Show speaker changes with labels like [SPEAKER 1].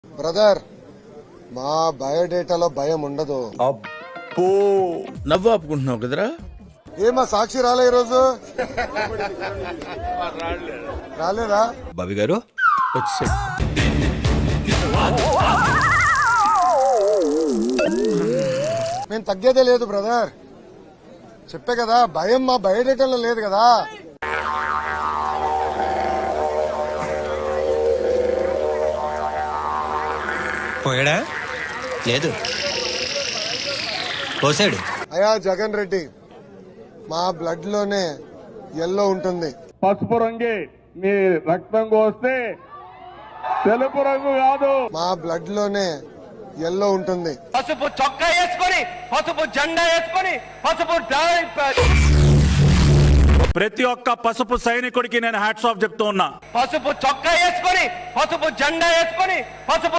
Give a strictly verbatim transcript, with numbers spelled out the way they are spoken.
[SPEAKER 1] Brother, మా బయోడేటాలో భయం ఉండదు.
[SPEAKER 2] అబ్బో నవ్వు ఆపుకుంటున్నావు కదరా.
[SPEAKER 1] ఏమా సాక్షి రాలే ఈరోజు? రాలేదా?
[SPEAKER 3] బాబీ గారు
[SPEAKER 2] వచ్చే
[SPEAKER 1] మేము తగ్గేదే లేదు బ్రదర్. చెప్పే కదా, భయం మా బయోడేటాలో లేదు కదా.
[SPEAKER 3] పోయాడా? లేదు, పోసాడు.
[SPEAKER 1] అయా జగన్ రెడ్డి, మా బ్లడ్ లోనే ఎల్లో ఉంటుంది.
[SPEAKER 4] పసుపు రంగే మీ రక్తం కోస్తే తెలుపు రంగు కాదు.
[SPEAKER 1] మా బ్లడ్ లోనే ఎల్లో ఉంటుంది.
[SPEAKER 5] పసుపు చొక్కా వేసుకొని, పసుపు జెండా వేసుకొని, పసుపు
[SPEAKER 6] ప్రతి ఒక్క పసుపు సైనికుడికి నేను హ్యాట్స్ ఆఫ్ చెప్తూ ఉన్నా.
[SPEAKER 5] పసుపు చొక్కా వేసుకొని, పసుపు జెండా వేసుకొని, పసుపు